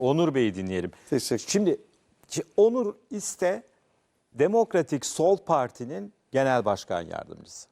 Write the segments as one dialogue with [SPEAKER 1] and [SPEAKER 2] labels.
[SPEAKER 1] Onur Bey'i dinleyelim.
[SPEAKER 2] Teşekkür.
[SPEAKER 1] Şimdi Onur İste Demokratik Sol Parti'nin genel başkan yardımcısı.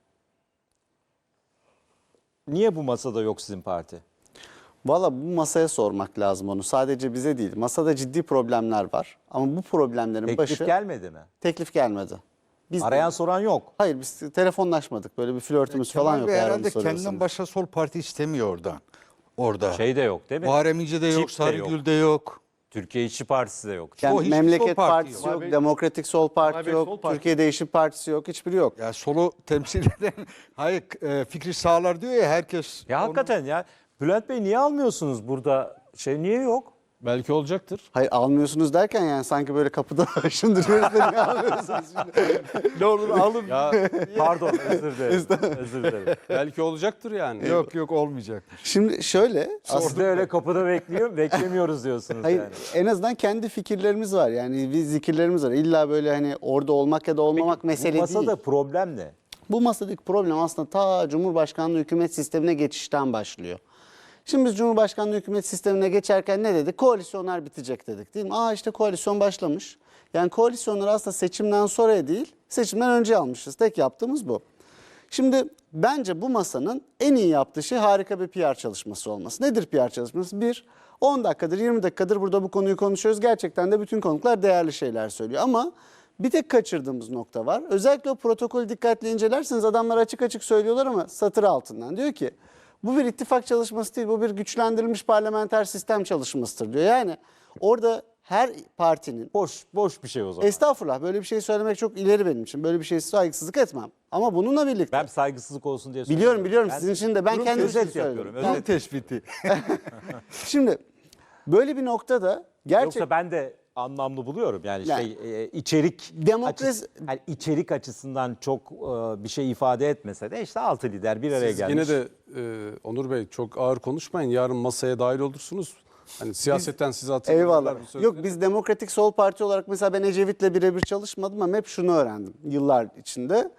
[SPEAKER 1] Niye bu masada yok sizin parti?
[SPEAKER 2] Valla bu masaya sormak lazım onu. Sadece bize değil. Masada ciddi problemler var. Ama bu problemlerin
[SPEAKER 1] Teklif
[SPEAKER 2] başı...
[SPEAKER 1] gelmedi mi?
[SPEAKER 2] Teklif gelmedi. Biz
[SPEAKER 1] Arayan soran yok.
[SPEAKER 2] Hayır, biz telefonlaşmadık. Böyle bir flörtümüz falan yok.
[SPEAKER 3] Bey
[SPEAKER 2] eğer onu
[SPEAKER 3] herhalde
[SPEAKER 2] soruyorsanız.
[SPEAKER 3] kendinden başka Sol Parti istemiyor oradan. Orada.
[SPEAKER 1] Şey de yok değil mi?
[SPEAKER 3] Muharrem İnce'de yok,
[SPEAKER 1] Çip de
[SPEAKER 3] Sarıgül'de yok.
[SPEAKER 1] Türkiye İşçi Partisi de yok.
[SPEAKER 2] Yani
[SPEAKER 3] O hiçbir
[SPEAKER 2] Memleket
[SPEAKER 3] Sol Parti
[SPEAKER 2] Partisi
[SPEAKER 3] yok.
[SPEAKER 2] yok, Demokratik Sol Parti
[SPEAKER 4] Bey
[SPEAKER 2] yok,
[SPEAKER 4] Sol Parti.
[SPEAKER 2] Türkiye Değişim Partisi yok, hiçbiri yok.
[SPEAKER 3] Ya solu temsil eden, hayır fikri sağlar diyor ya herkes.
[SPEAKER 1] Ya hakikaten ya Bülent Bey niye almıyorsunuz burada? Niye yok?
[SPEAKER 4] Belki olacaktır.
[SPEAKER 2] Hayır, almıyorsunuz derken yani sanki böyle kapıda aşındırıyoruz da niye almıyorsunuz şimdi? Ne olur alın.
[SPEAKER 4] Ya
[SPEAKER 1] Pardon özür dilerim. Özür dilerim.
[SPEAKER 4] belki olacaktır yani.
[SPEAKER 3] Yok olmayacak.
[SPEAKER 2] Şimdi şöyle,
[SPEAKER 1] Siz de öyle kapıda beklemiyoruz diyorsunuz
[SPEAKER 2] hayır,
[SPEAKER 1] yani.
[SPEAKER 2] en azından kendi fikirlerimiz var. Yani biz zikirlerimiz var. İlla böyle hani orada olmak ya da olmamak mesele
[SPEAKER 1] Bu masada
[SPEAKER 2] değil.
[SPEAKER 1] problem ne?
[SPEAKER 2] Bu masadaki problem aslında ta Cumhurbaşkanlığı hükümet sistemine geçişten başlıyor. Şimdi biz Cumhurbaşkanlığı hükümet sistemine geçerken ne dedik? Koalisyonlar bitecek dedik değil mi? İşte koalisyon başlamış. Yani koalisyonları aslında seçimden sonra değil, seçimden önce almışız. Tek yaptığımız bu. Şimdi bence bu masanın en iyi yaptığı şey harika bir PR çalışması olması. Nedir PR çalışması? 10 dakikadır, 20 dakikadır burada bu konuyu konuşuyoruz. Gerçekten de bütün konuklar değerli şeyler söylüyor. Ama bir tek kaçırdığımız nokta var. Özellikle o protokolü dikkatli incelerseniz adamlar açık açık söylüyorlar ama satır altından. Diyor ki bu bir ittifak çalışması değil, bu bir güçlendirilmiş parlamenter sistem çalışmasıdır diyor. Yani orada her partinin...
[SPEAKER 1] Boş bir şey o zaman.
[SPEAKER 2] Estağfurullah, böyle bir şey söylemek çok ileri benim için. Böyle bir şey saygısızlık etmem. Ama bununla birlikte...
[SPEAKER 1] Ben saygısızlık olsun diye
[SPEAKER 2] Biliyorum
[SPEAKER 1] Ben
[SPEAKER 2] sizin için de ben kendim için
[SPEAKER 1] özet
[SPEAKER 2] söyledim.
[SPEAKER 1] yapıyorum.
[SPEAKER 2] Ben-
[SPEAKER 1] Özet.
[SPEAKER 3] Tespiti.
[SPEAKER 2] Şimdi böyle bir noktada gerçek...
[SPEAKER 1] Yoksa ben de anlamlı buluyorum. Yani,
[SPEAKER 2] Yani-
[SPEAKER 1] içerik
[SPEAKER 2] Demokrasi-
[SPEAKER 1] içerik açısından çok bir şey ifade etmese de işte 6 lider bir araya
[SPEAKER 4] Siz
[SPEAKER 1] gelmiş.
[SPEAKER 4] yine de Onur Bey çok ağır konuşmayın. Yarın masaya dahil olursunuz. Hani siyasetten sizi hatırlarlar.
[SPEAKER 2] Eyvallah. Yok, biz Demokratik Sol Parti olarak mesela ben Ecevit'le birebir çalışmadım ama hep şunu öğrendim yıllar içinde.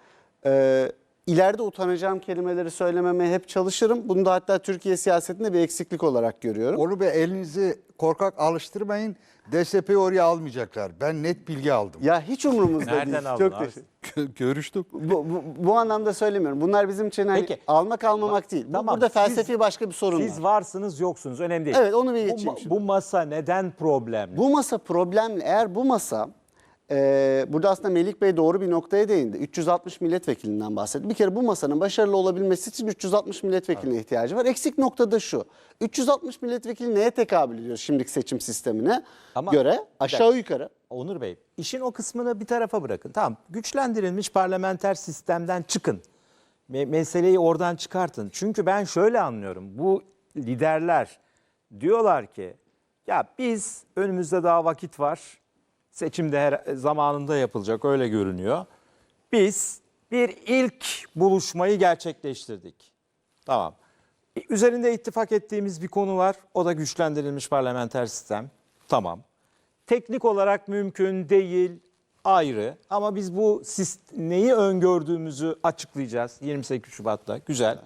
[SPEAKER 2] İleride utanacağım kelimeleri söylememeye hep çalışırım. Bunu da hatta Türkiye siyasetinde bir eksiklik olarak görüyorum.
[SPEAKER 3] Onu be elinizi korkak alıştırmayın. DSP'yi oraya almayacaklar. Ben net bilgi aldım.
[SPEAKER 2] Ya hiç umurumuzda
[SPEAKER 1] Nereden
[SPEAKER 2] değil.
[SPEAKER 1] aldın
[SPEAKER 2] Çok
[SPEAKER 1] abi?
[SPEAKER 2] teşekkür.
[SPEAKER 3] Görüştük.
[SPEAKER 2] Bu anlamda söylemiyorum. Bunlar bizim için hani
[SPEAKER 1] Peki.
[SPEAKER 2] almak almamak değil.
[SPEAKER 1] Tamam,
[SPEAKER 2] Burada
[SPEAKER 1] siz-
[SPEAKER 2] felsefi başka bir sorun
[SPEAKER 1] Siz
[SPEAKER 2] var.
[SPEAKER 1] varsınız yoksunuz önemli değil.
[SPEAKER 2] Evet, onu bir geçeyim şimdi.
[SPEAKER 1] Bu masa neden problemli?
[SPEAKER 2] Bu masa problemli. Eğer bu masa, burada aslında Melik Bey doğru bir noktaya değindi. 360 milletvekilinden bahsetti. Bir kere bu masanın başarılı olabilmesi için 360 milletvekiline ihtiyacı var. Eksik nokta da şu. 360 milletvekili neye tekabül ediyor şimdiki seçim sistemine
[SPEAKER 1] Ama-
[SPEAKER 2] göre? Aşağı yukarı.
[SPEAKER 1] Onur Bey, işin o kısmını bir tarafa bırakın. Tamam, güçlendirilmiş parlamenter sistemden çıkın. Meseleyi oradan çıkartın. Çünkü ben şöyle anlıyorum. Bu liderler diyorlar ki ya biz önümüzde daha vakit var. Seçim de her zamanında yapılacak öyle görünüyor. Biz bir ilk buluşmayı gerçekleştirdik. Tamam. Üzerinde ittifak ettiğimiz bir konu var. O da güçlendirilmiş parlamenter sistem. Tamam. Teknik olarak mümkün değil, ayrı. Ama biz bu neyi öngördüğümüzü açıklayacağız 28 Şubat'ta. Güzel.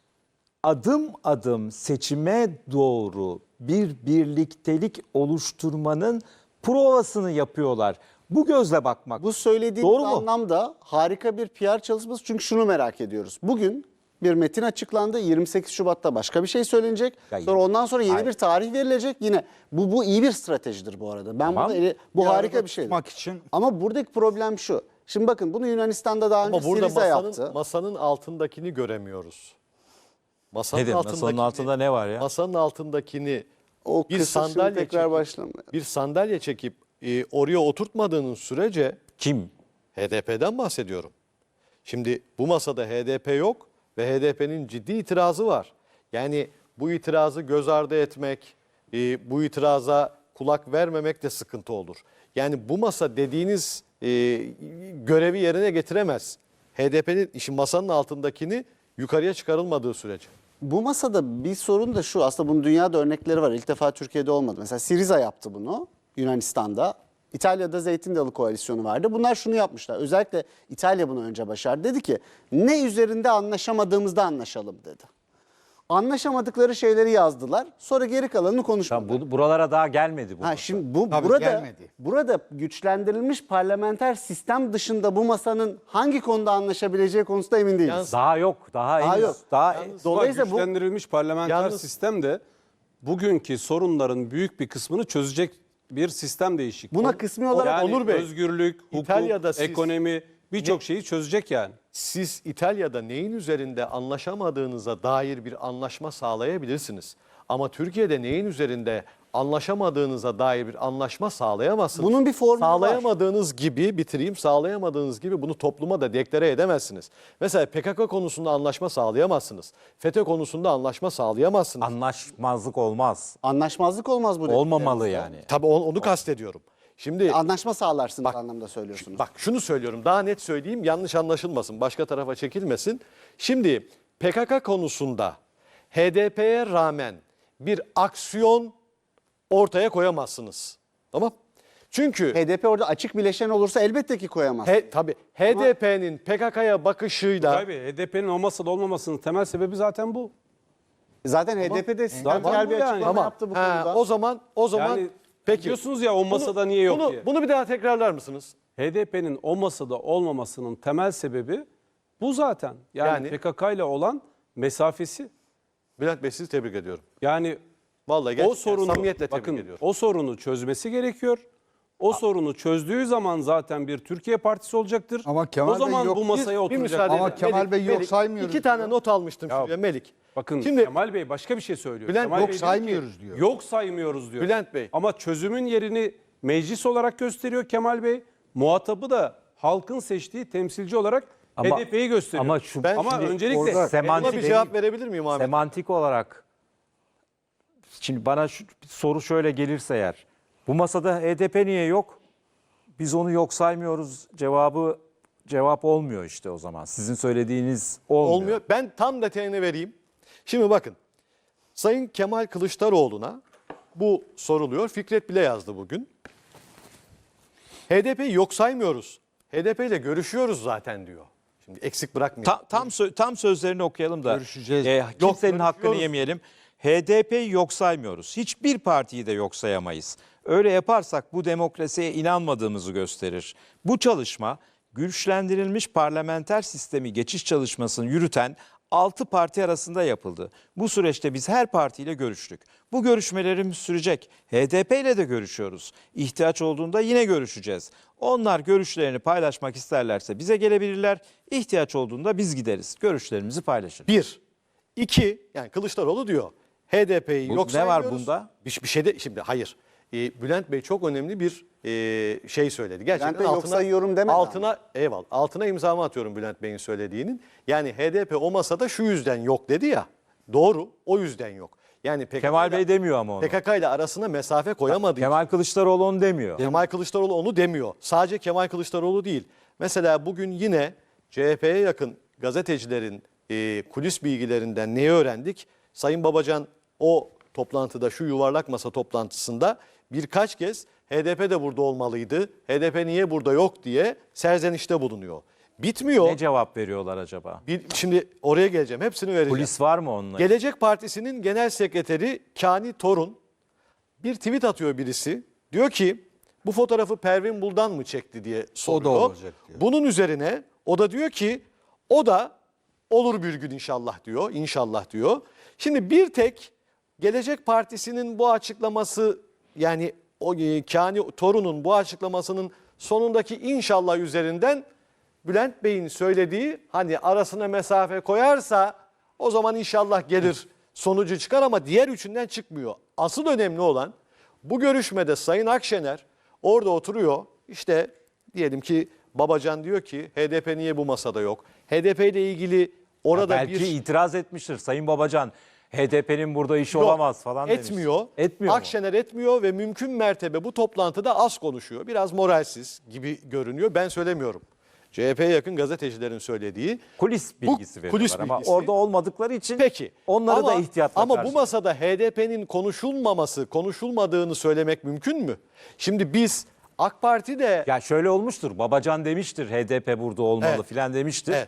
[SPEAKER 1] Adım adım seçime doğru bir birliktelik oluşturmanın provasını yapıyorlar. Bu gözle bakmak.
[SPEAKER 2] Bu söylediğiniz
[SPEAKER 1] doğru mu?
[SPEAKER 2] anlamda harika bir PR çalışması. Çünkü şunu merak ediyoruz. Bugün bir metin açıklandı. 28 Şubat'ta başka bir şey söylenecek.
[SPEAKER 1] Ya,
[SPEAKER 2] Sonra ondan sonra yeni
[SPEAKER 1] hayır.
[SPEAKER 2] bir tarih verilecek. Yine bu iyi bir stratejidir bu arada. Ben
[SPEAKER 1] Tamam.
[SPEAKER 2] bu
[SPEAKER 3] Bir
[SPEAKER 2] harika
[SPEAKER 3] arada
[SPEAKER 2] bir şey.
[SPEAKER 3] tutmak için.
[SPEAKER 2] Ama buradaki problem şu. Şimdi bakın bunu Yunanistan'da daha önce
[SPEAKER 5] Ama burada
[SPEAKER 2] Siriza yaptı.
[SPEAKER 5] masanın altındakini göremiyoruz. Masanın
[SPEAKER 1] Nedir? Masanın altında ne var ya?
[SPEAKER 5] Masanın altındakini
[SPEAKER 2] O
[SPEAKER 5] bir
[SPEAKER 2] kısır şimdi
[SPEAKER 5] sandalye
[SPEAKER 2] tekrar
[SPEAKER 5] çekip,
[SPEAKER 2] başlamıyor.
[SPEAKER 5] bir sandalye çekip oraya oturtmadığınız sürece
[SPEAKER 1] Kim?
[SPEAKER 5] HDP'den bahsediyorum. Şimdi bu masada HDP yok ve HDP'nin ciddi itirazı var. Yani bu itirazı göz ardı etmek, bu itiraza kulak vermemek de sıkıntı olur. Yani bu masa dediğiniz görevi yerine getiremez. HDP'nin işin masanın altındakini yukarıya çıkarılmadığı sürece.
[SPEAKER 2] Bu masada bir sorun da şu. Aslında bunun dünyada örnekleri var. İlk defa Türkiye'de olmadı. Mesela Siriza yaptı bunu Yunanistan'da. İtalya'da Zeytin Dalı Koalisyonu vardı. Bunlar şunu yapmışlar. Özellikle İtalya bunu önce başardı. Dedi ki ne üzerinde anlaşamadığımızda anlaşalım dedi. Anlaşamadıkları şeyleri yazdılar. Sonra geri kalanını konuşmadılar.
[SPEAKER 1] Tamam, buralara daha gelmedi bu.
[SPEAKER 2] Ha,
[SPEAKER 1] masa.
[SPEAKER 2] şimdi bu
[SPEAKER 3] Tabii
[SPEAKER 2] burada
[SPEAKER 3] gelmedi.
[SPEAKER 2] burada güçlendirilmiş parlamenter sistem dışında bu masanın hangi konuda anlaşabileceği konusunda emin değiliz.
[SPEAKER 5] Yalnız-
[SPEAKER 1] Daha yok. Daha
[SPEAKER 2] Daha
[SPEAKER 1] henüz.
[SPEAKER 2] yok.
[SPEAKER 1] Daha
[SPEAKER 2] Dolayısıyla bu
[SPEAKER 4] güçlendirilmiş parlamenter
[SPEAKER 5] Yalnız-
[SPEAKER 4] sistem de bugünkü sorunların büyük bir kısmını çözecek bir sistem değişikliği.
[SPEAKER 2] Buna kısmi olarak
[SPEAKER 4] yani
[SPEAKER 5] Onur Bey,
[SPEAKER 4] özgürlük, hukuk,
[SPEAKER 5] İtalya'da siz-
[SPEAKER 4] ekonomi birçok şeyi çözecek yani.
[SPEAKER 5] Siz İtalya'da neyin üzerinde anlaşamadığınıza dair bir anlaşma sağlayabilirsiniz. Ama Türkiye'de neyin üzerinde anlaşamadığınıza dair bir anlaşma sağlayamazsınız.
[SPEAKER 2] Bunun bir formülü var.
[SPEAKER 5] Sağlayamadığınız gibi bitireyim, sağlayamadığınız gibi bunu topluma da deklare edemezsiniz. Mesela PKK konusunda anlaşma sağlayamazsınız. FETÖ konusunda anlaşma sağlayamazsınız.
[SPEAKER 1] anlaşmazlık olmaz.
[SPEAKER 2] anlaşmazlık olmaz bu.
[SPEAKER 1] Olmamalı
[SPEAKER 2] dediklerinizde.
[SPEAKER 1] yani.
[SPEAKER 5] Tabii onu kastediyorum. Şimdi
[SPEAKER 2] Anlaşma sağlarsınız anlamda söylüyorsunuz.
[SPEAKER 5] bak şunu söylüyorum, daha net söyleyeyim, yanlış anlaşılmasın, başka tarafa çekilmesin. Şimdi PKK konusunda HDP'ye rağmen bir aksiyon ortaya koyamazsınız. Tamam? Çünkü
[SPEAKER 2] HDP orada açık bileşen olursa elbette ki koyamaz.
[SPEAKER 5] tabii HDP'nin PKK'ya bakışıyla
[SPEAKER 4] Tabii HDP'nin o masada olmamasının temel sebebi zaten bu.
[SPEAKER 2] Zaten HDP'de sistemsel bir
[SPEAKER 4] yani.
[SPEAKER 2] açıklama
[SPEAKER 5] Tamam.
[SPEAKER 2] yaptı bu
[SPEAKER 5] Ha,
[SPEAKER 2] konuda.
[SPEAKER 5] o zaman
[SPEAKER 4] Yani
[SPEAKER 5] peki.
[SPEAKER 4] diyorsunuz ya o masada niye yok
[SPEAKER 5] bunu,
[SPEAKER 4] diye.
[SPEAKER 5] Bunu bir daha tekrarlar mısınız?
[SPEAKER 4] HDP'nin o masada olmamasının temel sebebi bu zaten. Yani,
[SPEAKER 5] Yani?
[SPEAKER 4] PKK ile olan mesafesi.
[SPEAKER 5] Bülent Bey, sizi tebrik ediyorum.
[SPEAKER 4] Yani
[SPEAKER 5] Vallahi
[SPEAKER 4] o
[SPEAKER 5] gerçekten
[SPEAKER 4] sorunu
[SPEAKER 5] samimiyetle tebrik
[SPEAKER 4] bakın
[SPEAKER 5] ediyorum.
[SPEAKER 4] o sorunu çözmesi gerekiyor. O sorunu çözdüğü zaman zaten bir Türkiye Partisi olacaktır.
[SPEAKER 3] Ama Kemal
[SPEAKER 4] o zaman
[SPEAKER 3] Bey yok.
[SPEAKER 4] bu masaya
[SPEAKER 5] Bir
[SPEAKER 4] oturacak.
[SPEAKER 5] müsaade
[SPEAKER 3] Ama
[SPEAKER 5] edin.
[SPEAKER 3] Kemal Bey yok saymıyoruz
[SPEAKER 5] 2 tane
[SPEAKER 3] diyor.
[SPEAKER 5] not almıştım
[SPEAKER 4] Ya,
[SPEAKER 5] şuraya Melik.
[SPEAKER 4] Bakın
[SPEAKER 5] Şimdi
[SPEAKER 4] Kemal Bey başka bir şey söylüyor.
[SPEAKER 5] Bülent,
[SPEAKER 4] Kemal
[SPEAKER 5] yok
[SPEAKER 4] Bey diyor ki,
[SPEAKER 3] saymıyoruz diyor.
[SPEAKER 4] Yok saymıyoruz diyor.
[SPEAKER 5] Bülent Bey.
[SPEAKER 4] Ama çözümün yerini meclis olarak gösteriyor Kemal Bey. Muhatabı da halkın seçtiği temsilci olarak
[SPEAKER 1] Ama-
[SPEAKER 4] HDP'yi gösteriyor.
[SPEAKER 1] ama şu-
[SPEAKER 4] ama
[SPEAKER 1] şimdi
[SPEAKER 4] öncelikle
[SPEAKER 1] orada
[SPEAKER 5] buna
[SPEAKER 1] semantik
[SPEAKER 5] bir cevap verebilir miyim Ahmet?
[SPEAKER 1] Semantik olarak şimdi bana şu soru şöyle gelirse eğer, bu masada HDP niye yok? Biz onu yok saymıyoruz cevap olmuyor işte o zaman. Sizin söylediğiniz olmuyor.
[SPEAKER 5] Olmuyor. Ben tam detayını vereyim. Şimdi bakın. Sayın Kemal Kılıçdaroğlu'na bu soruluyor. Fikret bile yazdı bugün. HDP'yi yok saymıyoruz. HDP ile görüşüyoruz zaten diyor. Şimdi eksik bırakmayalım.
[SPEAKER 1] Tam sözlerini okuyalım da
[SPEAKER 3] Görüşeceğiz.
[SPEAKER 1] kimsenin hakkını
[SPEAKER 5] görüşüyoruz.
[SPEAKER 1] yemeyelim. HDP'yi yok saymıyoruz. Hiçbir partiyi de yok sayamayız. Öyle yaparsak bu demokrasiye inanmadığımızı gösterir. Bu çalışma güçlendirilmiş parlamenter sistemi geçiş çalışmasını yürüten 6 parti arasında yapıldı. Bu süreçte biz her partiyle görüştük. Bu görüşmelerimiz sürecek. HDP ile de görüşüyoruz. İhtiyaç olduğunda yine görüşeceğiz. Onlar görüşlerini paylaşmak isterlerse bize gelebilirler. İhtiyaç olduğunda biz gideriz. Görüşlerimizi paylaşırız.
[SPEAKER 5] 1. 2. Yani Kılıçdaroğlu diyor. HDP'yi
[SPEAKER 1] Bu-
[SPEAKER 5] yok
[SPEAKER 1] ne var
[SPEAKER 5] saymıyoruz.
[SPEAKER 1] bunda?
[SPEAKER 5] Bir şey de şimdi hayır. Bülent Bey çok önemli bir şey söyledi. Gerçekten
[SPEAKER 2] Bey yok sayıyorum demedi
[SPEAKER 5] altına imzamı atıyorum Bülent Bey'in söylediğinin. Yani HDP o masada şu yüzden yok dedi ya. Doğru, o yüzden yok. Yani PKK
[SPEAKER 1] Kemal Bey demiyor ama onu.
[SPEAKER 5] PKK ile arasına mesafe koyamadığı
[SPEAKER 1] Kemal Kılıçdaroğlu onu demiyor.
[SPEAKER 5] Kemal Kılıçdaroğlu onu demiyor. Sadece Kemal Kılıçdaroğlu değil. Mesela bugün yine CHP'ye yakın gazetecilerin kulis bilgilerinden neyi öğrendik? Sayın Babacan o toplantıda, şu yuvarlak masa toplantısında birkaç kez HDP de burada olmalıydı, HDP niye burada yok diye serzenişte bulunuyor. Bitmiyor.
[SPEAKER 1] Ne cevap veriyorlar acaba?
[SPEAKER 5] Şimdi oraya geleceğim. Hepsini vereceğim.
[SPEAKER 1] Polis var mı onunla?
[SPEAKER 5] Gelecek Partisi'nin genel sekreteri Kani Torun bir tweet atıyor birisi. Diyor ki bu fotoğrafı Pervin Buldan mı çekti diye soruyor.
[SPEAKER 3] olacak diyor.
[SPEAKER 5] Bunun üzerine o da diyor ki o da olur bir gün inşallah diyor. İnşallah diyor. Şimdi bir tek Gelecek Partisi'nin bu açıklaması, yani o Kani Torun'un bu açıklamasının sonundaki inşallah üzerinden Bülent Bey'in söylediği, hani arasına mesafe koyarsa o zaman inşallah gelir sonucu çıkar, ama diğer üçünden çıkmıyor. Asıl önemli olan bu görüşmede Sayın Akşener orada oturuyor. İşte diyelim ki Babacan diyor ki HDP niye bu masada yok? HDP ile ilgili orada
[SPEAKER 1] Belki
[SPEAKER 5] bir
[SPEAKER 1] itiraz etmiştir Sayın Babacan. HDP'nin burada işi
[SPEAKER 5] Yok,
[SPEAKER 1] olamaz falan demiş.
[SPEAKER 5] etmiyor.
[SPEAKER 1] Etmiyor mu?
[SPEAKER 5] Akşener etmiyor ve mümkün mertebe bu toplantıda az konuşuyor. Biraz moralsiz gibi görünüyor. Ben söylemiyorum. CHP'ye yakın gazetecilerin söylediği.
[SPEAKER 1] Kulis bilgisi veriyorlar
[SPEAKER 5] kulis
[SPEAKER 1] ama
[SPEAKER 5] bilgisi.
[SPEAKER 1] orada olmadıkları için
[SPEAKER 5] Peki.
[SPEAKER 1] onları da ihtiyatla
[SPEAKER 5] Ama bu
[SPEAKER 1] karşılıyor.
[SPEAKER 5] masada HDP'nin konuşulmadığını söylemek mümkün mü? Şimdi biz AK Parti de
[SPEAKER 1] Ya şöyle olmuştur. Babacan demiştir HDP burada olmalı
[SPEAKER 5] Evet.
[SPEAKER 1] filan demiştir.
[SPEAKER 5] Evet.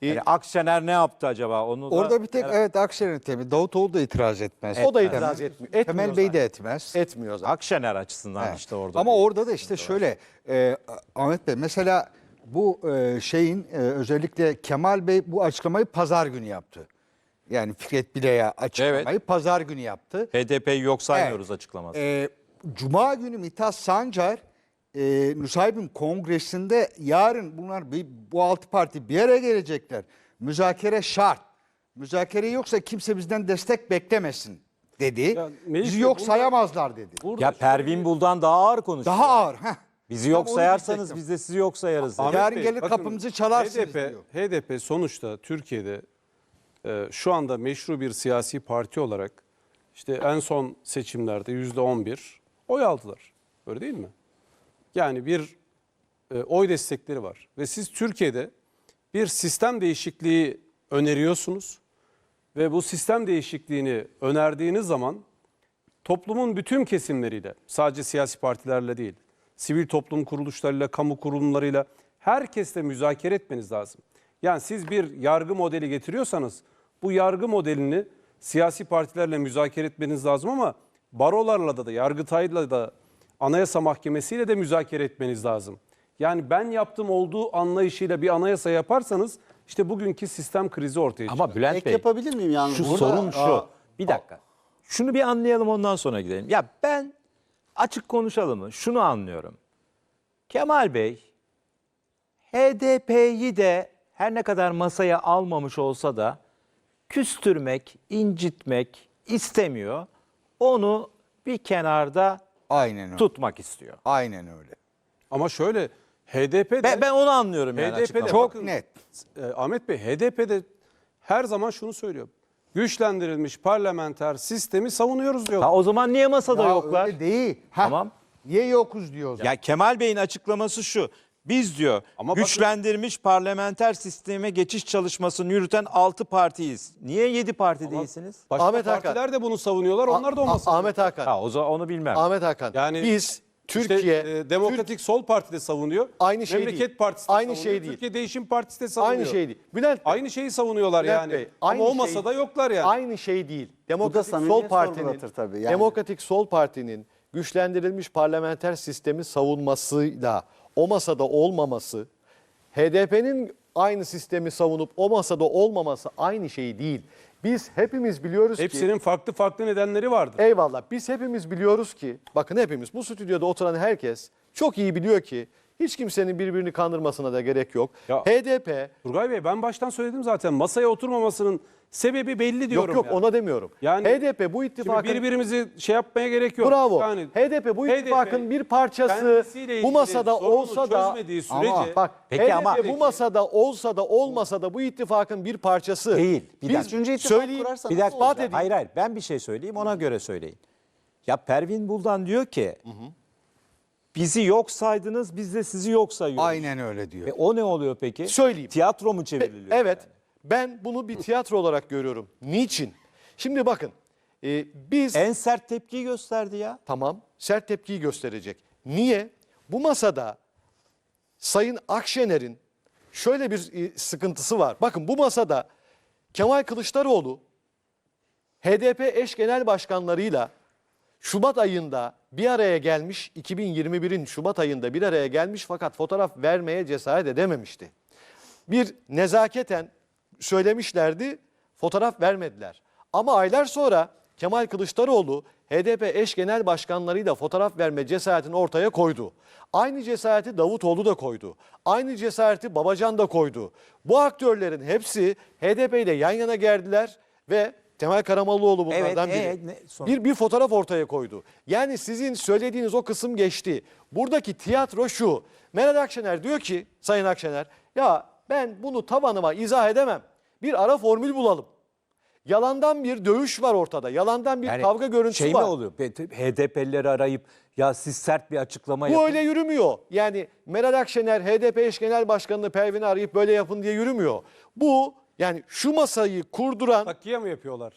[SPEAKER 1] Yani Akşener ne yaptı acaba? Onu da
[SPEAKER 3] Orada bir tek evet Akşener'in temi. Davutoğlu da itiraz etmez.
[SPEAKER 5] O da itiraz etmiyor.
[SPEAKER 3] Temel Bey de etmez.
[SPEAKER 5] Etmiyor zaten.
[SPEAKER 1] Akşener açısından
[SPEAKER 3] Evet.
[SPEAKER 1] işte orada.
[SPEAKER 3] Ama orada da işte şöyle Ahmet Bey mesela bu özellikle Kemal Bey bu açıklamayı pazar günü yaptı. Yani Fikret Bile'ye açıklamayı pazar günü yaptı.
[SPEAKER 1] HDP'yi yok saymıyoruz
[SPEAKER 3] Evet.
[SPEAKER 1] açıklaması.
[SPEAKER 3] Cuma günü Mithat Sancar Nusaybin Kongresi'nde yarın bu 6 parti bir araya gelecekler. Müzakere şart. Müzakere yoksa kimse bizden destek beklemesin dedi.
[SPEAKER 4] Ya Melih
[SPEAKER 3] Bizi
[SPEAKER 4] Bey,
[SPEAKER 3] yok
[SPEAKER 4] burada-
[SPEAKER 3] sayamazlar dedi.
[SPEAKER 4] Burada
[SPEAKER 1] Ya
[SPEAKER 4] şöyle
[SPEAKER 1] Pervin
[SPEAKER 4] bir-
[SPEAKER 1] Buldan daha ağır konuşuyor.
[SPEAKER 3] Daha ağır.
[SPEAKER 1] Bizi yok
[SPEAKER 3] Tam onu
[SPEAKER 1] sayarsanız
[SPEAKER 3] diyecektim.
[SPEAKER 1] biz de sizi yok sayarız. dedi.
[SPEAKER 4] Ahmet
[SPEAKER 3] Yarın
[SPEAKER 4] Bey,
[SPEAKER 3] gelir
[SPEAKER 4] bakın,
[SPEAKER 3] kapımızı çalarsınız diyor.
[SPEAKER 4] HDP sonuçta Türkiye'de şu anda meşru bir siyasi parti olarak işte en son seçimlerde %11 oy aldılar. Öyle değil mi? Yani bir oy destekleri var. Ve siz Türkiye'de bir sistem değişikliği öneriyorsunuz. Ve bu sistem değişikliğini önerdiğiniz zaman toplumun bütün kesimleriyle, sadece siyasi partilerle değil, sivil toplum kuruluşlarıyla, kamu kurumlarıyla herkesle müzakere etmeniz lazım. Yani siz bir yargı modeli getiriyorsanız bu yargı modelini siyasi partilerle müzakere etmeniz lazım ama barolarla da, Yargıtay'la da, Anayasa Mahkemesi'yle de müzakere etmeniz lazım. Yani ben yaptım olduğu anlayışıyla bir anayasa yaparsanız işte bugünkü sistem krizi ortaya çıkar.
[SPEAKER 1] Ama Bülent
[SPEAKER 2] Ek
[SPEAKER 1] Bey,
[SPEAKER 2] yapabilir miyim yalnız?
[SPEAKER 1] şu
[SPEAKER 2] Burada-
[SPEAKER 1] sorun şu. Bir dakika. Şunu bir anlayalım ondan sonra gidelim. Ya ben açık konuşalım mı? Şunu anlıyorum. Kemal Bey HDP'yi de her ne kadar masaya almamış olsa da küstürmek, incitmek istemiyor. Onu bir kenarda
[SPEAKER 3] Aynen öyle.
[SPEAKER 1] tutmak istiyor.
[SPEAKER 3] Aynen öyle.
[SPEAKER 4] Ama şöyle HDP'de
[SPEAKER 1] Ben onu anlıyorum yani
[SPEAKER 4] HDP'de
[SPEAKER 1] açıklamayı.
[SPEAKER 3] Çok
[SPEAKER 4] bakın,
[SPEAKER 3] net.
[SPEAKER 4] Ahmet Bey HDP'de her zaman şunu söylüyor. Güçlendirilmiş parlamenter sistemi savunuyoruz diyor.
[SPEAKER 1] Ha, o zaman niye masada
[SPEAKER 3] Ya
[SPEAKER 1] yoklar?
[SPEAKER 3] öyle değil.
[SPEAKER 1] Tamam.
[SPEAKER 3] Niye yokuz diyor o zaman.
[SPEAKER 1] Ya Kemal Bey'in açıklaması şu. Biz diyor
[SPEAKER 4] Ama bakın-
[SPEAKER 1] güçlendirilmiş parlamenter sisteme geçiş çalışmasını yürüten 6 partiyiz. Niye 7 parti değilsiniz?
[SPEAKER 4] Başka
[SPEAKER 5] Ahmet Hakan.
[SPEAKER 4] partiler de bunu savunuyorlar. Onlar da olmasın.
[SPEAKER 5] Ahmet Hakan.
[SPEAKER 1] Ha o zaman onu bilmem.
[SPEAKER 5] Ahmet Hakan.
[SPEAKER 4] Yani
[SPEAKER 5] Biz
[SPEAKER 4] İşte,
[SPEAKER 5] Türkiye
[SPEAKER 4] Demokratik Sol Parti de savunuyor.
[SPEAKER 5] Aynı şey
[SPEAKER 4] Memleket
[SPEAKER 5] değil.
[SPEAKER 4] Partisi de
[SPEAKER 5] Aynı
[SPEAKER 4] savunuyor.
[SPEAKER 5] şey değil.
[SPEAKER 4] Türkiye Değişim Partisi de savunuyor.
[SPEAKER 5] aynı şey değil. Bülent Bey,
[SPEAKER 4] Aynı şeyi savunuyorlar
[SPEAKER 5] Bülent
[SPEAKER 4] yani.
[SPEAKER 5] Bey,
[SPEAKER 4] Ama o
[SPEAKER 5] şey-
[SPEAKER 4] masada yoklar yani.
[SPEAKER 5] Aynı şey değil. Demokratik
[SPEAKER 2] samimiyet
[SPEAKER 5] Sol Parti'nin
[SPEAKER 2] sorgulatır tabii yani.
[SPEAKER 5] Demokratik Sol Parti'nin güçlendirilmiş parlamenter sistemi savunmasıyla o masada olmaması, HDP'nin aynı sistemi savunup o masada olmaması aynı şey değil. Biz hepimiz biliyoruz ki
[SPEAKER 4] Hepsinin farklı farklı nedenleri vardır.
[SPEAKER 5] eyvallah. Biz hepimiz biliyoruz ki, bakın hepimiz, bu stüdyoda oturan herkes çok iyi biliyor ki hiç kimsenin birbirini kandırmasına da gerek yok.
[SPEAKER 4] Ya-
[SPEAKER 5] HDP,
[SPEAKER 4] Turgay Bey ben baştan söyledim zaten masaya oturmamasının sebebi belli
[SPEAKER 5] yok
[SPEAKER 4] diyorum.
[SPEAKER 5] yok
[SPEAKER 4] yani.
[SPEAKER 5] ona demiyorum.
[SPEAKER 4] Yani
[SPEAKER 5] HDP bu
[SPEAKER 4] Şimdi
[SPEAKER 5] ittifakın,
[SPEAKER 4] birbirimizi şey yapmaya gerek yok.
[SPEAKER 5] bravo,
[SPEAKER 4] Yani
[SPEAKER 5] HDP bu ittifakın bir parçası,
[SPEAKER 4] kendisiyle ilgili
[SPEAKER 5] bu masada
[SPEAKER 4] sorunu
[SPEAKER 5] olsa da,
[SPEAKER 4] çözmediği sürece
[SPEAKER 5] ama bak
[SPEAKER 1] Peki
[SPEAKER 5] HDP
[SPEAKER 1] ama-
[SPEAKER 5] bu masada olsa da olmasa da bu ittifakın bir parçası.
[SPEAKER 1] Değil. Bir
[SPEAKER 5] Biz
[SPEAKER 1] dakika.
[SPEAKER 2] Üçüncü ittifak
[SPEAKER 5] söyleyeyim,
[SPEAKER 2] kurarsa
[SPEAKER 1] Bir
[SPEAKER 2] nasıl
[SPEAKER 1] dakika.
[SPEAKER 2] olacak?
[SPEAKER 5] edeyim.
[SPEAKER 1] Hayır ben bir şey söyleyeyim ona göre söyleyin. Ya Pervin Buldan diyor ki bizi yok saydınız biz de sizi yok sayıyoruz.
[SPEAKER 3] Aynen öyle diyor.
[SPEAKER 1] O ne oluyor peki?
[SPEAKER 5] Söyleyeyim.
[SPEAKER 1] Tiyatro mu çevriliyor?
[SPEAKER 5] Evet. Ben bunu bir tiyatro olarak görüyorum. Niçin? Şimdi bakın. Biz
[SPEAKER 1] En sert tepkiyi gösterdi ya.
[SPEAKER 5] tamam sert tepkiyi gösterecek. Niye? Bu masada Sayın Akşener'in şöyle bir sıkıntısı var. Bakın bu masada Kemal Kılıçdaroğlu HDP eş genel başkanlarıyla Şubat ayında bir araya gelmiş, 2021'in Şubat ayında bir araya gelmiş fakat fotoğraf vermeye cesaret edememişti. Bir nezaketen söylemişlerdi, fotoğraf vermediler. Ama aylar sonra Kemal Kılıçdaroğlu HDP eş genel başkanlarıyla fotoğraf verme cesaretini ortaya koydu. Aynı cesareti Davutoğlu da koydu. Aynı cesareti Babacan da koydu. Bu aktörlerin hepsi HDP ile yan yana geldiler ve Temel Karamollaoğlu bunlardan
[SPEAKER 1] Evet,
[SPEAKER 5] biri.
[SPEAKER 1] sonra?
[SPEAKER 5] Bir fotoğraf ortaya koydu. Yani sizin söylediğiniz o kısım geçti. Buradaki tiyatro şu. Meral Akşener diyor ki, Sayın Akşener, ya ben bunu tabanıma izah edemem. Bir ara formül bulalım. Yalandan bir dövüş var ortada. Yalandan bir kavga görüntüsü
[SPEAKER 1] şey
[SPEAKER 5] var.
[SPEAKER 1] mi oluyor? HDP'lileri arayıp ya siz sert bir açıklama
[SPEAKER 5] Bu
[SPEAKER 1] yapın.
[SPEAKER 5] öyle yürümüyor. Yani Meral Akşener HDP eş genel başkanını Pervin'i arayıp böyle yapın diye yürümüyor. Bu yani şu masayı kurduran
[SPEAKER 4] Takiye mi yapıyorlar?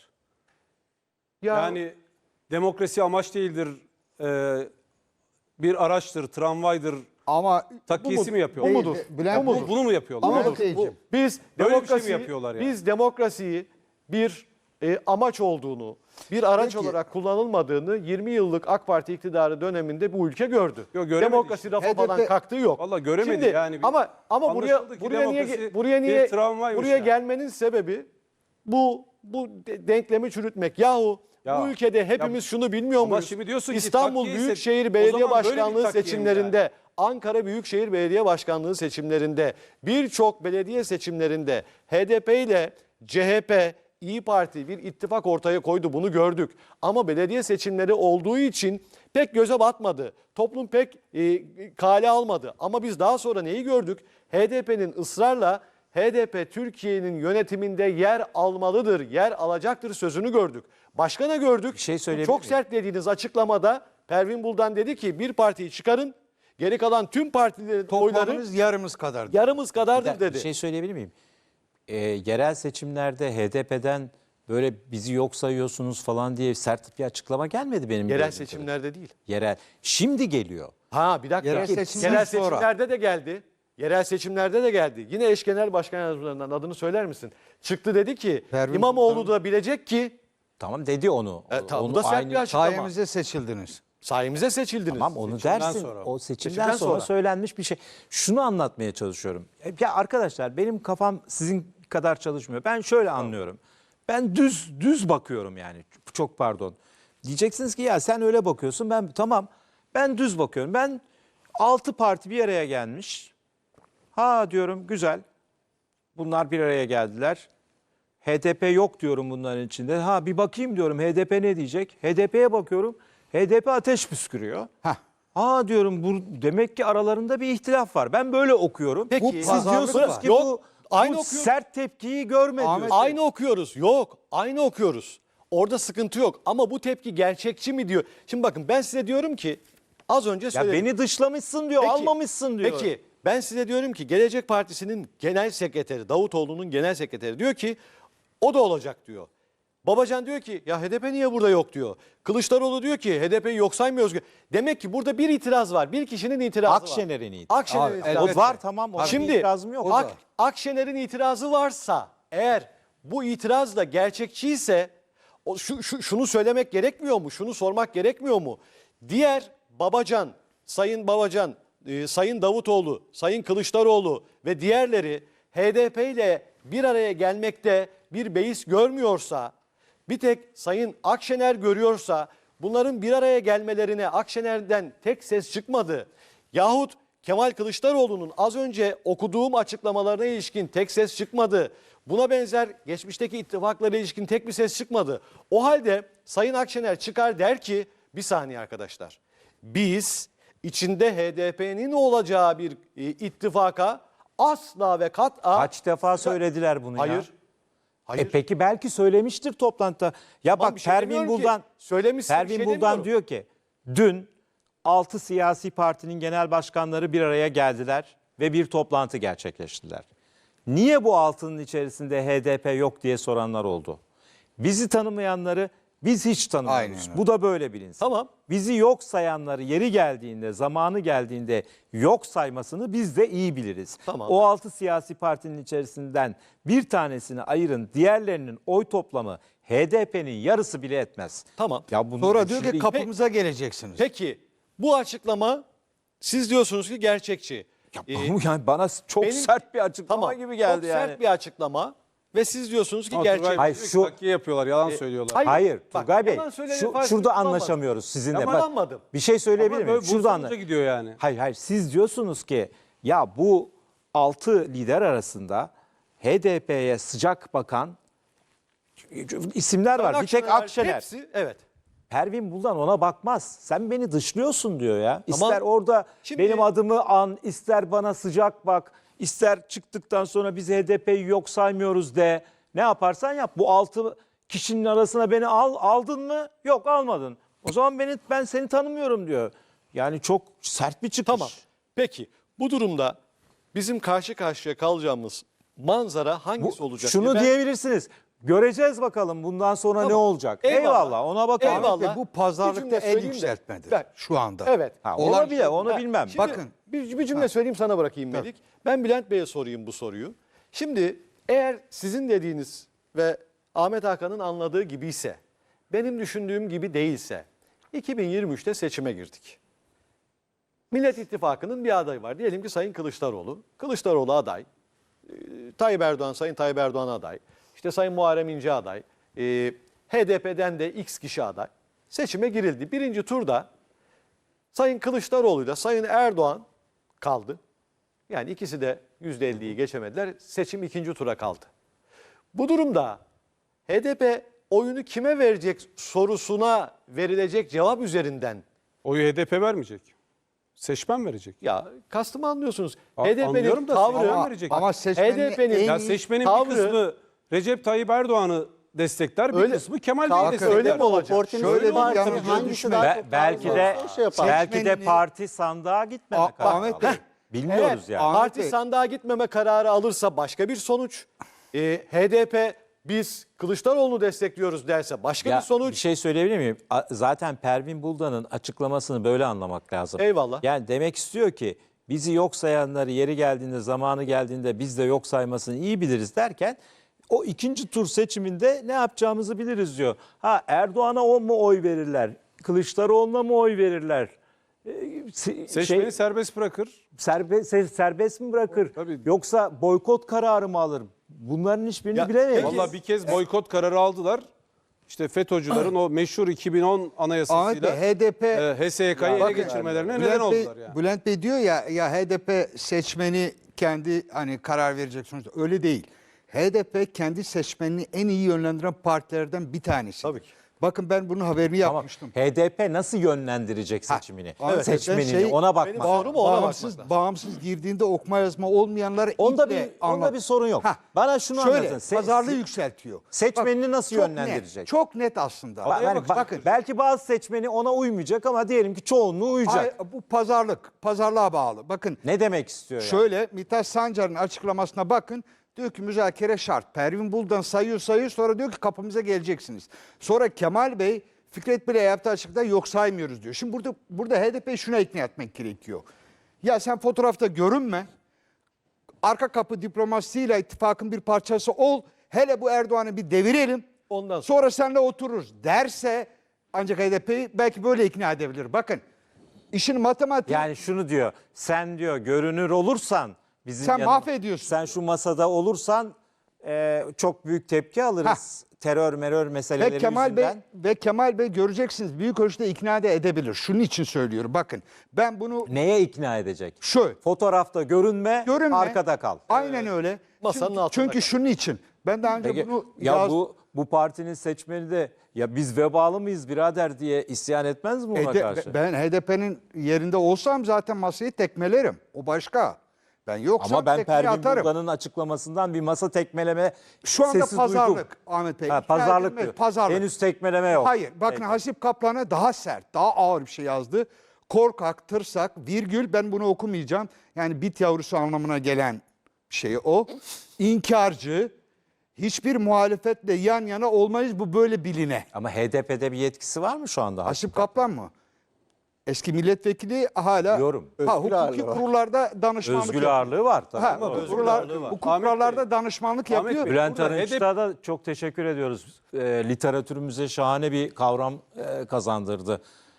[SPEAKER 5] ya,
[SPEAKER 4] Yani demokrasi amaç değildir. Bir araçtır, tramvaydır.
[SPEAKER 3] Ama
[SPEAKER 4] Takkiyesi mi
[SPEAKER 3] bu
[SPEAKER 4] yapıyorlar?
[SPEAKER 3] mudur?
[SPEAKER 6] Bülent Bey,
[SPEAKER 4] Bunu mu yapıyorlar?
[SPEAKER 6] Ama
[SPEAKER 4] Budur.
[SPEAKER 6] Beyciğim,
[SPEAKER 5] Biz
[SPEAKER 4] Böyle bir şey mi
[SPEAKER 5] demokrasiyi,
[SPEAKER 4] yapıyorlar yani?
[SPEAKER 5] biz demokrasiyi bir amaç olduğunu, bir araç
[SPEAKER 3] Peki.
[SPEAKER 5] olarak kullanılmadığını 20 yıllık AK Parti iktidarı döneminde bu ülke gördü.
[SPEAKER 4] Yok, göremedi
[SPEAKER 5] Demokrasi
[SPEAKER 4] işte.
[SPEAKER 5] rafa falan
[SPEAKER 3] HDP
[SPEAKER 5] kalktığı yok.
[SPEAKER 4] Vallahi göremedi
[SPEAKER 5] Şimdi,
[SPEAKER 4] yani.
[SPEAKER 5] Ama buraya
[SPEAKER 4] Anlaşıldı ki
[SPEAKER 5] buraya niye
[SPEAKER 4] demokrasi
[SPEAKER 5] buraya niye
[SPEAKER 4] bir travmaymış
[SPEAKER 5] buraya
[SPEAKER 4] yani.
[SPEAKER 5] gelmenin sebebi bu denklemi çürütmek. Yahu
[SPEAKER 4] Ya,
[SPEAKER 5] bu ülkede hepimiz şunu bilmiyor
[SPEAKER 4] ama
[SPEAKER 5] muyuz?
[SPEAKER 4] şimdi diyorsun ki
[SPEAKER 5] İstanbul
[SPEAKER 4] takviye ise
[SPEAKER 5] Büyükşehir
[SPEAKER 4] o
[SPEAKER 5] Belediye
[SPEAKER 4] zaman böyle bir
[SPEAKER 5] Başkanlığı
[SPEAKER 4] takviye mi
[SPEAKER 5] seçimlerinde, Ankara Büyükşehir Belediye Başkanlığı seçimlerinde, birçok belediye seçimlerinde HDP ile CHP, İyi Parti bir ittifak ortaya koydu. Bunu gördük. Ama belediye seçimleri olduğu için pek göze batmadı. Toplum pek kale almadı. Ama biz daha sonra neyi gördük? HDP'nin ısrarla HDP Türkiye'nin yönetiminde yer almalıdır, yer alacaktır sözünü gördük. Başka ne gördük?
[SPEAKER 1] Bir şey
[SPEAKER 5] Bu
[SPEAKER 1] söyleyebilir
[SPEAKER 5] çok
[SPEAKER 1] miyim?
[SPEAKER 5] sert dediğiniz açıklamada Pervin Buldan dedi ki bir partiyi çıkarın, geri kalan tüm partilerin oyları
[SPEAKER 3] toplamımız yarımız kadar.
[SPEAKER 5] yarımız kadardır
[SPEAKER 1] Bir
[SPEAKER 5] dedi.
[SPEAKER 1] şey söyleyebilir miyim? Yerel seçimlerde HDP'den böyle bizi yok sayıyorsunuz falan diye sert bir açıklama gelmedi benim
[SPEAKER 5] Yerel
[SPEAKER 1] gördüğüm
[SPEAKER 5] seçimlerde değil.
[SPEAKER 1] kadarıyla. Yerel. Şimdi geliyor.
[SPEAKER 5] Ha bir dakika.
[SPEAKER 3] Yerel seçimden
[SPEAKER 5] Yerel
[SPEAKER 3] sonra.
[SPEAKER 5] seçimlerde de geldi. Yerel seçimlerde de geldi. Yine eş genel başkan yardımcılarından adını söyler misin? Çıktı dedi ki
[SPEAKER 3] Pervin
[SPEAKER 5] İmamoğlu da bilecek ki
[SPEAKER 1] Tamam dedi onu.
[SPEAKER 5] tamam,
[SPEAKER 1] Onu
[SPEAKER 5] bu da sert bir açıklama.
[SPEAKER 3] Sayemizde seçildiniz.
[SPEAKER 5] Sayemize seçildiniz.
[SPEAKER 1] Tamam onu
[SPEAKER 4] Seçimden
[SPEAKER 1] dersin.
[SPEAKER 4] sonra.
[SPEAKER 1] O seçimden
[SPEAKER 5] Seçimden
[SPEAKER 1] sonra
[SPEAKER 5] sonra.
[SPEAKER 1] söylenmiş bir şey. Şunu anlatmaya çalışıyorum. Ya arkadaşlar benim kafam sizin kadar çalışmıyor. Ben şöyle anlıyorum. Ben düz bakıyorum yani. Çok pardon. Diyeceksiniz ki ya sen öyle bakıyorsun. Ben düz bakıyorum. Ben 6 parti bir araya gelmiş. Ha diyorum güzel. Bunlar bir araya geldiler. HDP yok diyorum bunların içinde. Ha bir bakayım diyorum HDP ne diyecek? HDP'ye bakıyorum. HDP ateş püskürüyor.
[SPEAKER 3] Hah.
[SPEAKER 1] Ha diyorum bu demek ki aralarında bir ihtilaf var. Ben böyle okuyorum.
[SPEAKER 5] Peki,
[SPEAKER 1] Siz
[SPEAKER 5] pazarlık
[SPEAKER 1] diyorsunuz
[SPEAKER 5] var.
[SPEAKER 1] ki
[SPEAKER 5] Yok,
[SPEAKER 1] bu
[SPEAKER 5] aynı
[SPEAKER 1] bu
[SPEAKER 5] okuyorum.
[SPEAKER 1] sert tepkiyi görmedi.
[SPEAKER 3] Ahmet,
[SPEAKER 1] diyorsun.
[SPEAKER 5] Aynı okuyoruz. Yok. Aynı okuyoruz. Orada sıkıntı yok. Ama bu tepki gerçekçi mi diyor. Şimdi bakın ben size diyorum ki az önce
[SPEAKER 1] Ya
[SPEAKER 5] söyledim.
[SPEAKER 1] beni dışlamışsın diyor,
[SPEAKER 5] Peki,
[SPEAKER 1] almamışsın diyor.
[SPEAKER 5] Peki ben size diyorum ki Gelecek Partisi'nin genel sekreteri Davutoğlu'nun genel sekreteri diyor ki o da olacak diyor. Babacan diyor ki ya HDP niye burada yok diyor. Kılıçdaroğlu diyor ki HDP'yi yok saymıyoruz. Demek ki burada bir itiraz var. Bir kişinin itirazı var.
[SPEAKER 1] Akşener'in itirazı.
[SPEAKER 5] Akşener'in
[SPEAKER 3] Abi,
[SPEAKER 5] itirazı
[SPEAKER 1] O var tamam. Ona
[SPEAKER 5] Şimdi
[SPEAKER 1] bir itirazım yok.
[SPEAKER 5] Akşener'in itirazı varsa eğer bu itiraz da gerçekçiyse şunu söylemek gerekmiyor mu? Şunu sormak gerekmiyor mu? Diğer Babacan, Sayın Babacan, Sayın Davutoğlu, Sayın Kılıçdaroğlu ve diğerleri HDP ile bir araya gelmekte bir beis görmüyorsa, bir tek Sayın Akşener görüyorsa bunların bir araya gelmelerine Akşener'den tek ses çıkmadı. Yahut Kemal Kılıçdaroğlu'nun az önce okuduğum açıklamalarına ilişkin tek ses çıkmadı. Buna benzer geçmişteki ittifaklara ilişkin tek bir ses çıkmadı. O halde Sayın Akşener çıkar der ki bir saniye arkadaşlar. Biz içinde HDP'nin olacağı bir ittifaka asla ve kat'a...
[SPEAKER 1] Kaç defa söylediler bunu ya?
[SPEAKER 5] Hayır. Hayır.
[SPEAKER 1] Peki belki söylemiştir toplantıda. Ya
[SPEAKER 5] Tamam,
[SPEAKER 1] bak
[SPEAKER 5] bir şey
[SPEAKER 1] Pervin
[SPEAKER 5] demiyorum ki.
[SPEAKER 1] Buldan
[SPEAKER 5] Söylemişsin, bir
[SPEAKER 1] Pervin
[SPEAKER 5] şey
[SPEAKER 1] Buldan
[SPEAKER 5] demiyorum.
[SPEAKER 1] diyor ki dün 6 siyasi partinin genel başkanları bir araya geldiler ve bir toplantı gerçekleştirdiler. Niye bu altının içerisinde HDP yok diye soranlar oldu. Bizi tanımayanları biz hiç tanımıyoruz.
[SPEAKER 3] Aynen öyle.
[SPEAKER 1] Bu da böyle bilinsin.
[SPEAKER 5] Tamam.
[SPEAKER 1] Bizi yok sayanları yeri geldiğinde, zamanı geldiğinde yok saymasını biz de iyi biliriz.
[SPEAKER 5] Tamam.
[SPEAKER 1] O 6 siyasi partinin içerisinden bir tanesini ayırın, diğerlerinin oy toplamı HDP'nin yarısı bile etmez.
[SPEAKER 5] Tamam.
[SPEAKER 1] Ya bunu
[SPEAKER 3] Sonra diyor ki
[SPEAKER 1] şimdi-
[SPEAKER 3] kapımıza geleceksiniz.
[SPEAKER 5] Peki bu açıklama siz diyorsunuz ki gerçekçi.
[SPEAKER 1] Bu yani bana çok
[SPEAKER 5] benim-
[SPEAKER 1] sert bir açıklama
[SPEAKER 5] Tamam.
[SPEAKER 1] gibi geldi
[SPEAKER 5] Çok
[SPEAKER 1] yani.
[SPEAKER 5] sert bir açıklama ve siz diyorsunuz ki
[SPEAKER 4] Ama
[SPEAKER 5] gerçek.
[SPEAKER 4] Turgay
[SPEAKER 1] Hayır,
[SPEAKER 4] diyor ki
[SPEAKER 1] şu-
[SPEAKER 4] takkiye yapıyorlar, yalan söylüyorlar.
[SPEAKER 1] Hayır,
[SPEAKER 5] Bak,
[SPEAKER 1] Turgay Bey
[SPEAKER 5] yalan söyleme
[SPEAKER 1] şurada
[SPEAKER 5] farkını bulamadım.
[SPEAKER 1] anlaşamıyoruz sizinle. Bak,
[SPEAKER 5] Yalanmadım.
[SPEAKER 1] bir şey söyleyebilir
[SPEAKER 4] Ama
[SPEAKER 1] miyim?
[SPEAKER 4] böyle
[SPEAKER 1] Şurada
[SPEAKER 4] Bursa'nca gidiyor yani.
[SPEAKER 1] Hayır siz diyorsunuz ki ya bu 6 lider arasında HDP'ye sıcak bakan isimler var. Bir tek Akşener.
[SPEAKER 5] Hepsi evet.
[SPEAKER 1] Pervin Buldan ona bakmaz. Sen beni dışlıyorsun diyor ya.
[SPEAKER 5] Tamam.
[SPEAKER 1] İster orada
[SPEAKER 5] Şimdi-
[SPEAKER 1] benim adımı an, ister bana sıcak bak, ister çıktıktan sonra biz HDP'yi yok saymıyoruz de. Ne yaparsan yap. Bu 6 kişinin arasına beni aldın mı? Yok almadın. O zaman ben seni tanımıyorum diyor. Yani çok sert bir çıkış.
[SPEAKER 5] Tamam. Peki bu durumda bizim karşı karşıya kalacağımız manzara hangisi olacak?
[SPEAKER 1] Şunu
[SPEAKER 5] Ben-
[SPEAKER 1] diyebilirsiniz. Göreceğiz bakalım bundan sonra ne
[SPEAKER 5] Tamam.
[SPEAKER 1] olacak.
[SPEAKER 5] Eyvallah.
[SPEAKER 1] Eyvallah, ona bakalım.
[SPEAKER 5] Eyvallah.
[SPEAKER 3] Ahmet Bey, bu
[SPEAKER 5] Bir
[SPEAKER 3] pazarlıkta
[SPEAKER 5] cümle
[SPEAKER 3] el
[SPEAKER 5] söyleyeyim de.
[SPEAKER 3] yükseltmedir
[SPEAKER 5] Ben-
[SPEAKER 3] şu anda.
[SPEAKER 5] Evet.
[SPEAKER 1] Ha,
[SPEAKER 3] Olan
[SPEAKER 1] olabilir,
[SPEAKER 3] şey-
[SPEAKER 1] onu bilmem.
[SPEAKER 5] Şimdi
[SPEAKER 3] Bakın.
[SPEAKER 5] bir cümle söyleyeyim, sana bırakayım Melik. Ben Bülent Bey'e sorayım bu soruyu. Şimdi eğer sizin dediğiniz ve Ahmet Hakan'ın anladığı gibi ise, benim düşündüğüm gibi değilse 2023'te seçime girdik. Millet İttifakı'nın bir adayı var. Diyelim ki Sayın Kılıçdaroğlu. Kılıçdaroğlu aday. Tayyip Erdoğan, Sayın Tayyip Erdoğan aday. İşte Sayın Muharrem İnce aday. HDP'den de X kişi aday. Seçime girildi. Birinci turda Sayın Kılıçdaroğlu ile Sayın Erdoğan kaldı. Yani ikisi de %50'yi geçemediler. Seçim ikinci tura kaldı. Bu durumda HDP oyunu kime verecek sorusuna verilecek cevap üzerinden,
[SPEAKER 4] Oyu HDP vermeyecek. Seçmen verecek.
[SPEAKER 5] ya kastımı anlıyorsunuz.
[SPEAKER 4] Anlıyorum
[SPEAKER 5] HDP'nin
[SPEAKER 4] da
[SPEAKER 5] tavrı,
[SPEAKER 4] seçmen verecek.
[SPEAKER 3] Ama seçmenin
[SPEAKER 5] HDP'nin
[SPEAKER 3] en
[SPEAKER 4] Ya
[SPEAKER 3] iyi-
[SPEAKER 4] seçmenin
[SPEAKER 5] tavrı-
[SPEAKER 4] bir kısmı Recep Tayyip Erdoğan'ı destekler, bir
[SPEAKER 5] Öyle-
[SPEAKER 4] kısmı Kemal Bey'i
[SPEAKER 5] Bakın,
[SPEAKER 4] destekler.
[SPEAKER 5] öyle mi olacak?
[SPEAKER 2] Oportunist
[SPEAKER 3] Şöyle bir
[SPEAKER 2] parti
[SPEAKER 3] yanlış
[SPEAKER 2] hangisi
[SPEAKER 3] düşmeyin.
[SPEAKER 2] daha çok
[SPEAKER 1] Belki
[SPEAKER 2] fazla
[SPEAKER 1] de
[SPEAKER 2] olursa o şey yapar.
[SPEAKER 1] belki de
[SPEAKER 3] Seçmenini-
[SPEAKER 1] parti sandığa gitmeme
[SPEAKER 3] Ahmet
[SPEAKER 1] kararı
[SPEAKER 3] Bey,
[SPEAKER 1] alır. Bilmiyoruz
[SPEAKER 5] Eğer
[SPEAKER 1] yani.
[SPEAKER 3] Ahmet
[SPEAKER 5] parti
[SPEAKER 3] Bey.
[SPEAKER 5] sandığa gitmeme kararı alırsa başka bir sonuç. HDP biz Kılıçdaroğlu'nu destekliyoruz derse başka
[SPEAKER 1] Ya,
[SPEAKER 5] bir sonuç.
[SPEAKER 1] bir şey söyleyebilir miyim? Zaten Pervin Buldan'ın açıklamasını böyle anlamak lazım.
[SPEAKER 5] Eyvallah.
[SPEAKER 1] Yani demek istiyor ki bizi yok sayanları yeri geldiğinde, zamanı geldiğinde biz de yok saymasını iyi biliriz derken o ikinci tur seçiminde ne yapacağımızı biliriz diyor. Ha, Erdoğan'a mu oy verirler? Kılıçdaroğlu'na mı oy verirler?
[SPEAKER 4] Seçmeni serbest bırakır.
[SPEAKER 1] serbest mi bırakır?
[SPEAKER 4] Tabii.
[SPEAKER 1] Yoksa boykot kararı mı alır? Bunların hiçbirini
[SPEAKER 5] Ya,
[SPEAKER 1] bilemeyiz.
[SPEAKER 5] peki-
[SPEAKER 4] Vallahi bir kez boykot kararı aldılar. İşte FETÖ'cülerin o meşhur 2010
[SPEAKER 3] Ahmet
[SPEAKER 4] anayasasıyla
[SPEAKER 3] Bey, HDP
[SPEAKER 4] HSYK'yı ele
[SPEAKER 3] Bakın,
[SPEAKER 4] geçirmelerine
[SPEAKER 3] Bülent
[SPEAKER 4] neden
[SPEAKER 3] Bey,
[SPEAKER 4] oldular yani.
[SPEAKER 3] Bülent Bey diyor ya HDP seçmeni kendi hani karar verecek sonuçta. Öyle değil. HDP kendi seçmenini en iyi yönlendiren partilerden bir tanesi.
[SPEAKER 5] Tabii ki.
[SPEAKER 3] Bakın ben bunun haberini
[SPEAKER 1] Tamam.
[SPEAKER 3] yapmıştım.
[SPEAKER 1] HDP nasıl yönlendirecek seçimini?
[SPEAKER 3] evet,
[SPEAKER 1] Seçmenini
[SPEAKER 3] şey-
[SPEAKER 1] ona
[SPEAKER 5] Benim
[SPEAKER 1] bakmak.
[SPEAKER 5] sorum o, ona bakmak
[SPEAKER 3] Bağımsız,
[SPEAKER 5] lazım.
[SPEAKER 3] bağımsız girdiğinde okuma yazma olmayanları
[SPEAKER 1] Onda
[SPEAKER 3] iple
[SPEAKER 1] onda bir sorun yok.
[SPEAKER 3] Hah,
[SPEAKER 1] Bana şunu
[SPEAKER 3] şöyle,
[SPEAKER 1] anlatın.
[SPEAKER 3] pazarlığı yükseltiyor.
[SPEAKER 1] seçmenini nasıl
[SPEAKER 3] çok
[SPEAKER 1] yönlendirecek?
[SPEAKER 3] Net, çok net aslında.
[SPEAKER 1] Bakın, belki bazı seçmeni ona uymayacak ama diyelim ki çoğunluğu uyacak.
[SPEAKER 3] Bu pazarlığa bağlı. Bakın
[SPEAKER 1] Ne demek istiyor yani?
[SPEAKER 3] şöyle Mithat Sancar'ın açıklamasına bakın. Diyor ki müzakere şart. Pervin Buldan sayıyor sonra diyor ki kapımıza geleceksiniz. Sonra Kemal Bey Fikret Bey'le yaptığı açıkta yok saymıyoruz diyor. Şimdi burada HDP'yi şuna ikna etmek gerekiyor. Ya sen fotoğrafta görünme. Arka kapı diplomasisiyle ittifakın bir parçası ol. Hele bu Erdoğan'ı bir devirelim.
[SPEAKER 5] Ondan
[SPEAKER 3] Sonra seninle otururuz derse ancak HDP'yi belki böyle ikna edebilir. Bakın işin matematiği
[SPEAKER 1] Yani şunu diyor. Sen diyor görünür olursan bizim
[SPEAKER 3] Sen
[SPEAKER 1] yanımız-
[SPEAKER 3] mahvediyorsun.
[SPEAKER 1] Sen şu masada olursan çok büyük tepki alırız. Terör meseleleri
[SPEAKER 3] Ve
[SPEAKER 1] yüzünden.
[SPEAKER 3] Kemal Bey göreceksiniz büyük ölçüde ikna da edebilir. Şunun için söylüyorum. Bakın ben bunu
[SPEAKER 1] Neye ikna edecek?
[SPEAKER 3] şu
[SPEAKER 1] Fotoğrafta görünme,
[SPEAKER 3] görünme.
[SPEAKER 1] arkada kal.
[SPEAKER 3] Aynen öyle.
[SPEAKER 5] Masanın
[SPEAKER 3] çünkü,
[SPEAKER 5] altında
[SPEAKER 3] çünkü
[SPEAKER 5] kal.
[SPEAKER 3] şunun için. Ben daha önce
[SPEAKER 1] Peki,
[SPEAKER 3] bunu
[SPEAKER 1] ya
[SPEAKER 3] yaz-
[SPEAKER 1] bu partinin seçmeni de ya biz vebalı mıyız birader diye isyan etmez mi ona karşı?
[SPEAKER 3] ben HDP'nin yerinde olsam zaten masayı tekmelerim. O başka. Ben yoksam
[SPEAKER 1] Ama ben
[SPEAKER 3] tekmeyi
[SPEAKER 1] Pervin
[SPEAKER 3] atarım.
[SPEAKER 1] Buldan'ın açıklamasından bir masa tekmeleme
[SPEAKER 3] Şu anda
[SPEAKER 1] sesi
[SPEAKER 3] pazarlık
[SPEAKER 1] duydum.
[SPEAKER 3] Ahmet Bey.
[SPEAKER 1] Ha,
[SPEAKER 3] İkna
[SPEAKER 1] pazarlık
[SPEAKER 3] edilmez,
[SPEAKER 1] diyor.
[SPEAKER 3] Pazarlık.
[SPEAKER 1] Henüz tekmeleme yok.
[SPEAKER 3] Hayır. Bakın
[SPEAKER 1] Peki.
[SPEAKER 3] Hasip Kaplan'a daha sert, daha ağır bir şey yazdı. Korkak, tırsak, virgül ben bunu okumayacağım. Yani bit yavrusu anlamına gelen şey o. İnkarcı, hiçbir muhalefetle yan yana olmayız bu böyle biline.
[SPEAKER 1] Ama HDP'de bir yetkisi var mı şu anda?
[SPEAKER 3] Hasip Kaplan mı? Eski milletvekili hala
[SPEAKER 1] Biliyorum.
[SPEAKER 3] hukuki kurullarda danışmanlık
[SPEAKER 1] Özgür
[SPEAKER 3] yapıyor.
[SPEAKER 1] ağırlığı var tabii.
[SPEAKER 3] Ha,
[SPEAKER 1] ama.
[SPEAKER 3] hukuk kurullarda danışmanlık
[SPEAKER 4] Ahmet
[SPEAKER 3] yapıyor.
[SPEAKER 4] Bey,
[SPEAKER 1] Bülent
[SPEAKER 4] burada
[SPEAKER 1] Arınç'ta da çok teşekkür ediyoruz. Literatürümüze şahane bir kavram kazandırdı.